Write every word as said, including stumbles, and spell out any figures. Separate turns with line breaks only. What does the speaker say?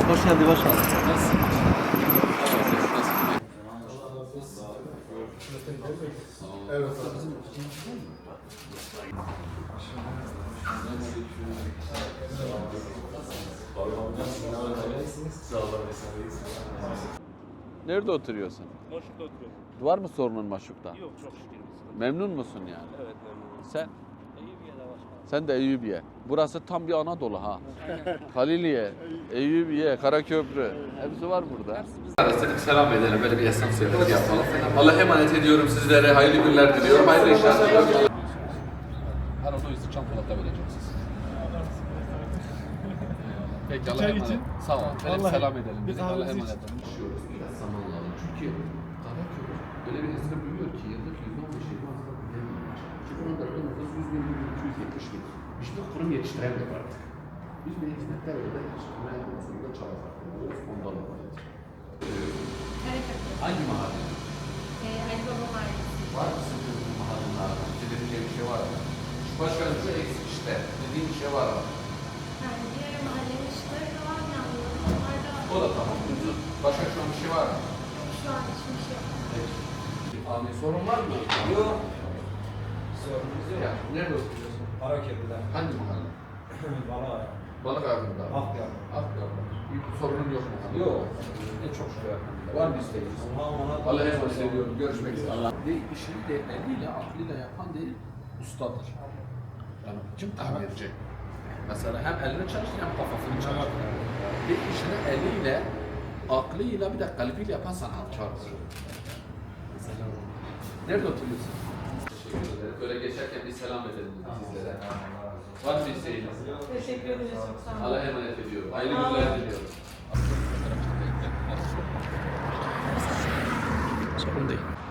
Hoş geldin, hoş geldin.
Nasılsın?
Evet.
Nerede oturuyorsun?
Maşuk'ta oturuyorum.
Var mı sorunun Maşuk'ta?
Yok çok şükür.
Memnun musun yani?
Evet memnunum.
Sen?
Eyüpiye'de başkanım.
Sen de Eyüpiye. Burası tam bir Anadolu ha. Haliliye, Eyüpiye, Karaköprü. Hepsi var burada. Dedik selam edelim, böyle bir esnaf ziyareti yapalım. Allah'a emanet ediyorum sizlere. Hayırlı günler diliyorum. Hayırlı işler diliyorum. Arada üstü çantalarda vereceksiniz. Peki Allah'a emanet. Sağ ol. Böyle bir selam edelim. Biz Allah'a emanet olun. Düşüyoruz biraz zaman lazım. Çünkü Karaköprü öyle bir hızla büyüyor ki yıllık yüzde on beş yirmi aslında büyüyemiyor. Çünkü onun dakika nüfus yüz bin, iki yüz yetmiş bin. İşte kurum yetiştiremiyor artık. Biz bir hizmetler öyle yetiştirme konusunda çaba sarf ediyoruz. Ondan dolayı.
Karaköprü.
Hangi mahalle?
Ee, Ali Baba Mahallesi.
Var mı sizin bu mahallenlerde? Dediğin bir şey var mı? Başkanım şu eksik işte. Dediğin bir şey var mı?
Yani diğer mahallenin ışıkları da var yanıyor. Onlar da
O da tamam. Başka şu an bir şey var mı?
şu an hiçbir şey yok.
Peki. Abi sorun var mı?
Yok. Sorunumuz yok.
Ya, nerede oturuyorsun?
Karaköprü'den.
Hangi mahalle?
Bana
Balık ağzında.
Akyaka.
Akyaka. Bir sorunun yok mu?
Yok. Ne çok şükür efendim.
Var mı isteğiniz?
Allah'a emanet olun.
Allah'a emanet ediyorum. Görüşmek üzere. Allah. Değil, işini de eliyle, aklıyla yapan değil, ustadır. Yani kim tahmin edecek? Mesela hem elini çalıştır hem kafasını çalıştır. Bir işini eliyle, aklıyla bir de kalbiyle yapan sanatkardır. Mesela nerede oturuyorsun? Teşekkür ederim. Böyle geçerken bir selam edelim sizlere. Var mı isteğiniz?
Teşekkür ederiz. Çok sağ olun.
Allah'a emanet ediyorum. Hayırlı günler diliyorum.
Sorun değil.